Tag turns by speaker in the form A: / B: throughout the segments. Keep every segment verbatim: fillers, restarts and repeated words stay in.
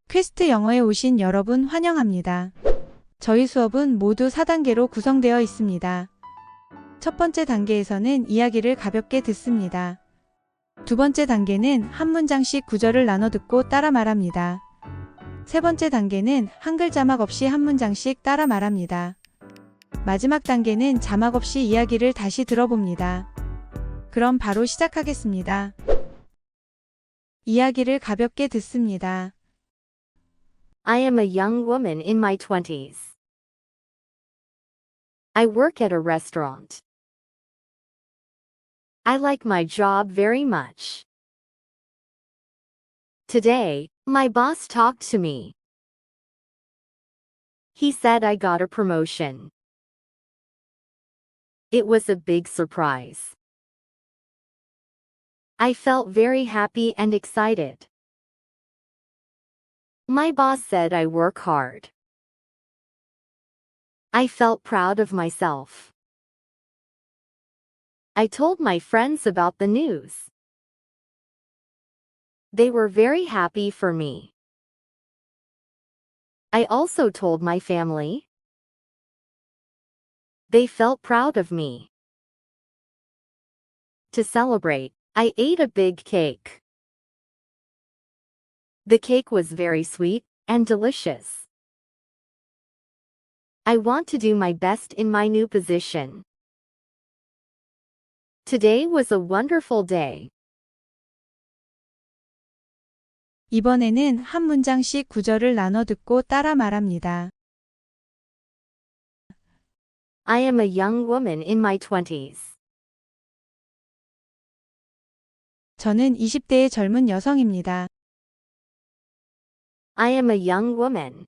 A: 퀘스트 영어에 오신 여러분 환영합니다. 저희 수업은 모두 사 단계로 구성되어 있습니다. 첫 번째 단계에서는 이야기를 가볍게 듣습니다. 두 번째 단계는 한 문장씩 구절을 나눠 듣고 따라 말합니다. 세 번째 단계는 한글 자막 없이 한 문장씩 따라 말합니다. 마지막 단계는 자막 없이 이야기를 다시 들어봅니다. 그럼 바로 시작하겠습니다. 이야기를 가볍게 듣습니다.
B: I am a young woman in my twenties. I work at a restaurant. I like my job very much. Today, my boss talked to me. He said I got a promotion. It was a big surprise. I felt very happy and excited. My boss said I work hard. I felt proud of myself. I told my friends about the news. They were very happy for me. I also told my family. They felt proud of me. To celebrate, I ate a big cake. The cake was very sweet and delicious. I want to do my best in my new position. Today was a wonderful day.
A: 이번에는 한 문장씩 구절을 나눠 듣고 따라 말합니다.
B: I am a young woman in my twenties.
A: 저는 이십 대의 젊은 여성입니다.
B: I am a young woman.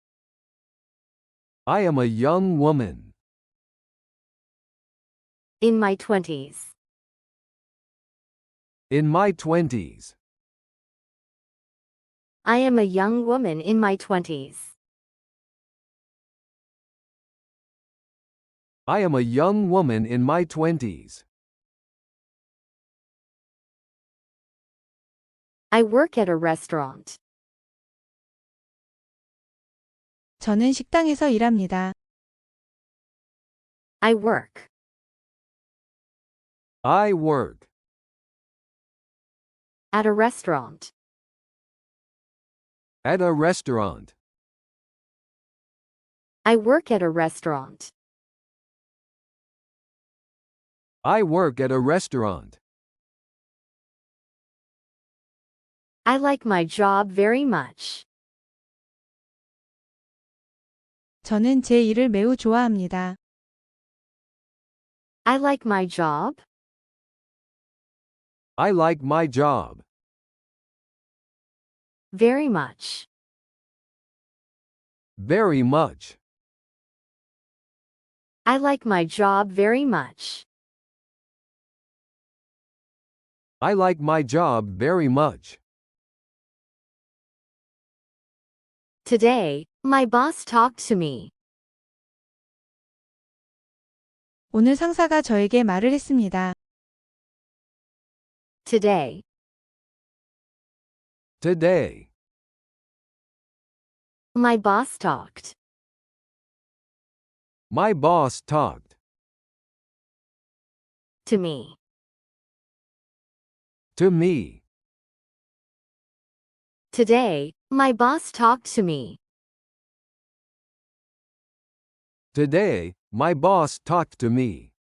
C: I am a young woman.
B: In my twenties.
C: In my twenties.
B: I am a young woman in my twenties.
C: I am a young woman in my twenties.
B: I work at a restaurant.
A: 저는 식당에서 일합니다.
B: I work.
C: I work.
B: At a restaurant.
C: At a restaurant.
B: I work at a restaurant.
C: I work at a restaurant.
B: I like my job very much.
A: 저는 제 일을 매우 좋아합니다.
B: I like my job.
C: I like my job.
B: Very much.
C: Very much.
B: I like my job very much.
C: I like my job very much.
B: Today, my boss talked to me.
A: 오늘 상사가 저에게 말을 했습니다.
B: Today.
C: Today.
B: My boss talked.
C: My boss talked.
B: To me.
C: To me.
B: Today, my boss talked to me.
C: Today, my boss talked to me.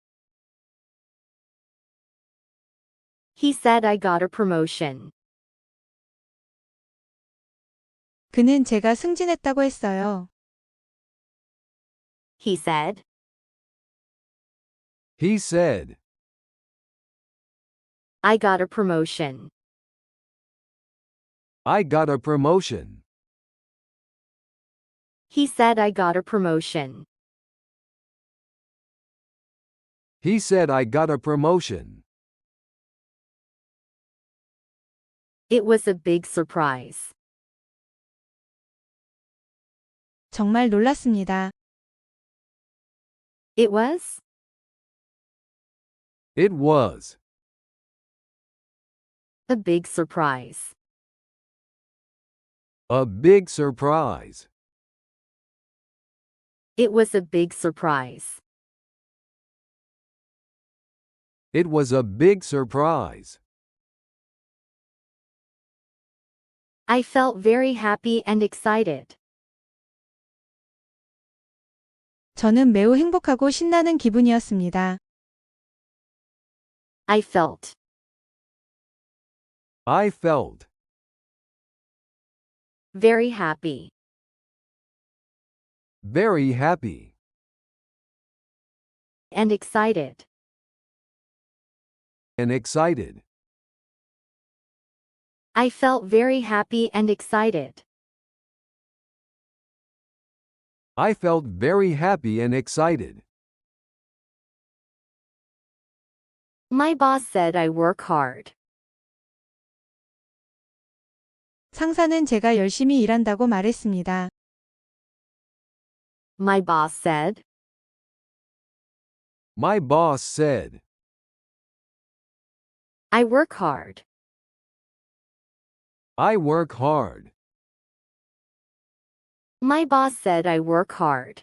B: He said I got a promotion.
A: 그는 제가 승진했다고 했어요.
B: He said.
C: He said.
B: I got a promotion.
C: I got a promotion.
B: He said I got a promotion.
C: He said I got a promotion.
B: It was a big surprise.
A: 정말 놀랐습니다.
B: It was.
C: It was.
B: A big surprise.
C: A big surprise.
B: It was a big surprise.
C: It was a big surprise.
B: I felt very happy and excited.
A: 저는 매우 행복하고 신나는 기분이었습니다.
B: I felt.
C: I felt
B: Very happy.
C: very happy
B: And excited.
C: and excited.
B: I felt very happy and excited.
C: I felt very happy and excited.
B: My boss said I work hard.
A: 상사는 제가 열심히 일한다고 말했습니다.
B: My boss said.
C: My boss said,
B: I work hard.
C: I work hard.
B: My boss said I work hard.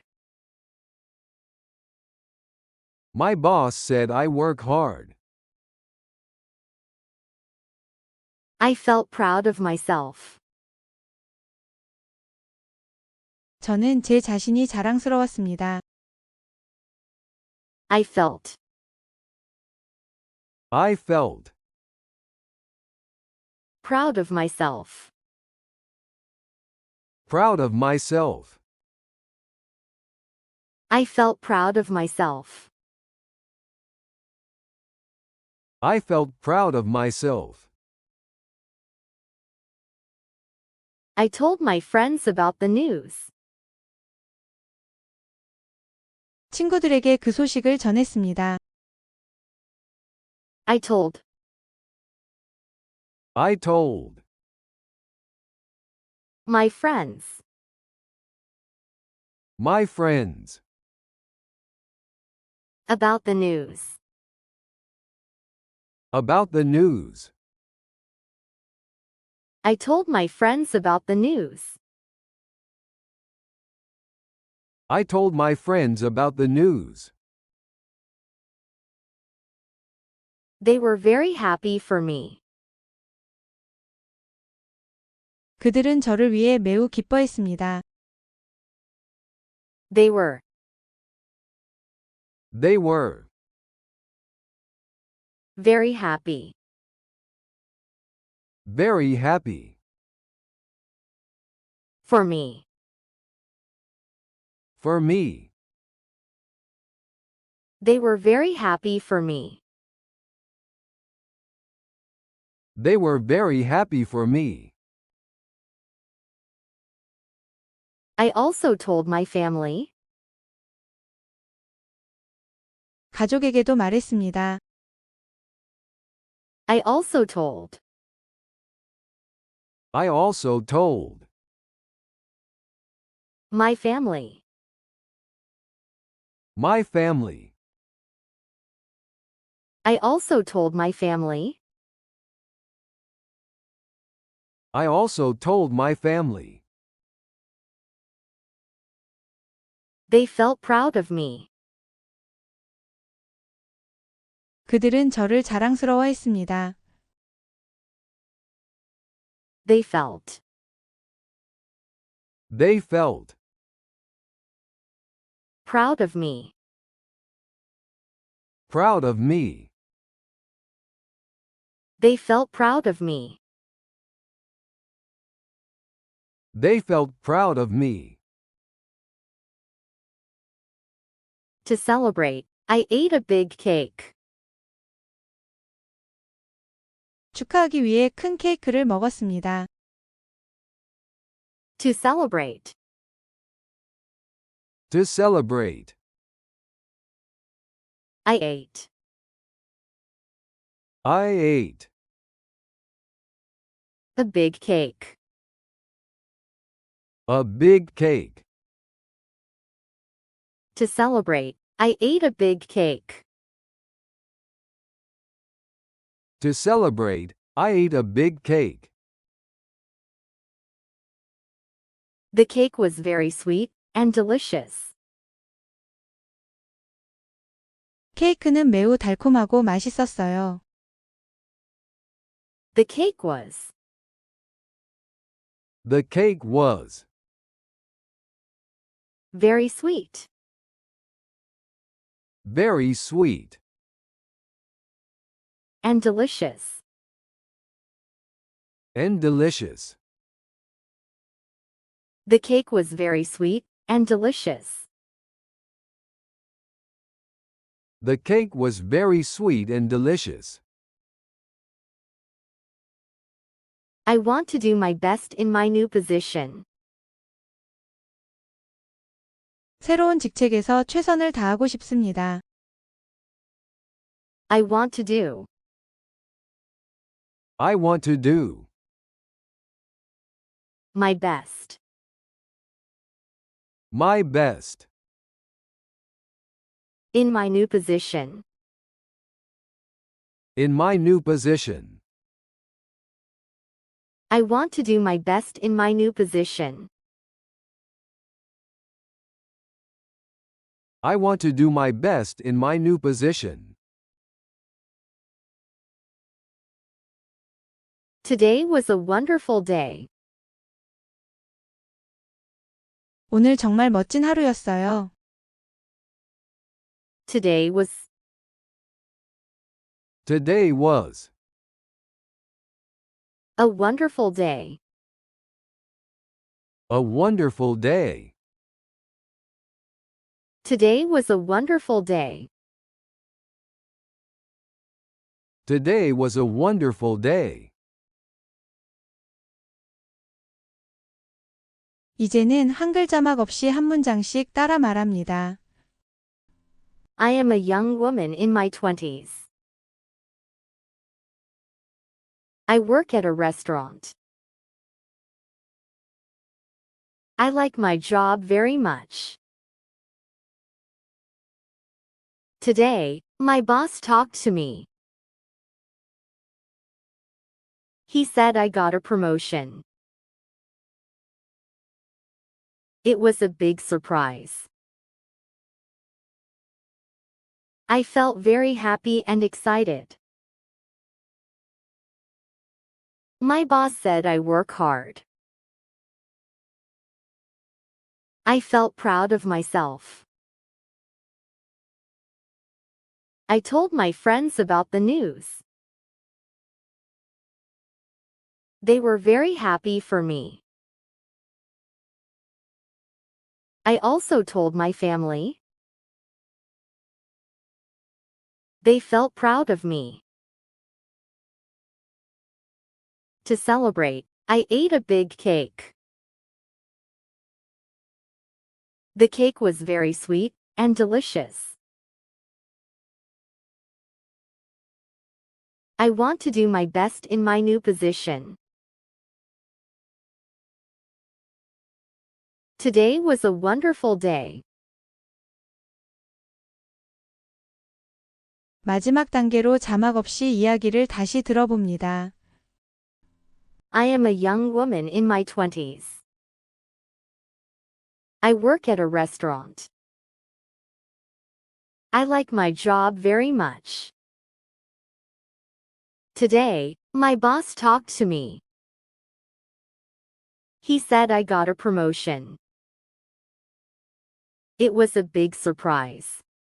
C: My boss said I work hard.
B: I felt proud of myself.
A: 저는 제 자신이 자랑스러웠습니다.
B: I felt.
C: I felt
B: Proud of myself.
C: proud of myself.
B: I felt proud of myself.
C: I felt proud of myself.
B: I told my friends about the news.
A: 친구들에게 그 소식을 전했습니다.
B: I told.
C: I told
B: My friends.
C: my friends
B: About the news.
C: about the news.
B: I told my friends about the news.
C: I told my friends about the news.
B: They were very happy for me.
A: 그들은 저를 위해 매우 기뻐했습니다.
B: They were.
C: They were
B: Very happy.
C: very happy
B: For me.
C: for me.
B: They were very happy for me.
C: They were very happy for me.
B: I also told my family.
A: 가족에게도 말했습니다.
B: I also told.
C: I also told
B: My family.
C: my family.
B: I also told my family.
C: I also told my family.
B: They felt proud of me.
A: 그들은 저를 자랑스러워했습니다.
B: They felt.
C: They felt
B: Proud of me.
C: proud of me.
B: They felt proud of me.
C: They felt proud of me.
B: To celebrate, I ate a big cake.
A: 축하하기 위해 큰 케이크를 먹었습니다.
B: To celebrate.
C: To celebrate.
B: I ate.
C: I ate
B: A big cake.
C: a big cake.
B: To celebrate, I ate a big cake.
C: To celebrate, I ate a big cake.
B: The cake was very sweet and delicious.
A: 케이크는 매우 달콤하고 맛있었어요.
B: The cake was.
C: The cake was.
B: Very sweet.
C: Very sweet.
B: And delicious.
C: And delicious.
B: The cake was very sweet and delicious.
C: The cake was very sweet and delicious.
B: I want to do my best in my new position.
A: 새로운 직책에서 최선을 다하고 싶습니다.
B: I want to do.
C: I want to do.
B: My best.
C: My best.
B: In my new position.
C: In my new position.
B: I want to do my best in my new position.
C: I want to do my best in my new position.
B: Today was a wonderful day.
A: 오늘 정말 멋진 하루였어요.
B: Today was.
C: Today was.
B: A wonderful day.
C: A wonderful day.
B: Today was a wonderful day.
C: Today was a wonderful day.
A: 이제는 한글 자막 없이 한 문장씩 따라 말합니다.
B: I am a young woman in my twenties. I work at a restaurant. I like my job very much. Today, my boss talked to me. He said I got a promotion. It was a big surprise. I felt very happy and excited. My boss said I work hard. I felt proud of myself. I told my friends about the news. They were very happy for me. I also told my family. They felt proud of me. To celebrate, I ate a big cake. The cake was very sweet and delicious. I want to do my best in my new position. Today was a wonderful day.
A: 마지막 단계로 자막 없이 이야기를 다시 들어봅니다.
B: I am a young woman in my twenties. I work at a restaurant. I like my job very much. Today, my boss talked to me. He said I got a promotion. It was a big surprise.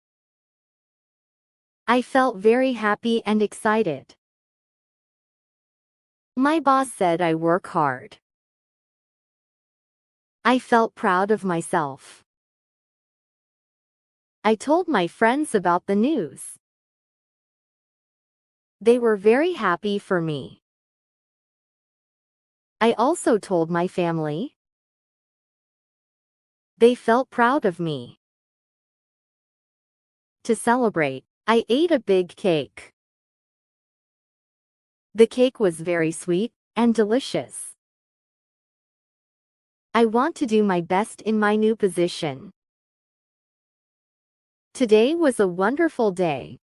B: I felt very happy and excited. My boss said I work hard. I felt proud of myself. I told my friends about the news. They were very happy for me. I also told my family. They felt proud of me. To celebrate, I ate a big cake. The cake was very sweet and delicious. I want to do my best in my new position. Today was a wonderful day.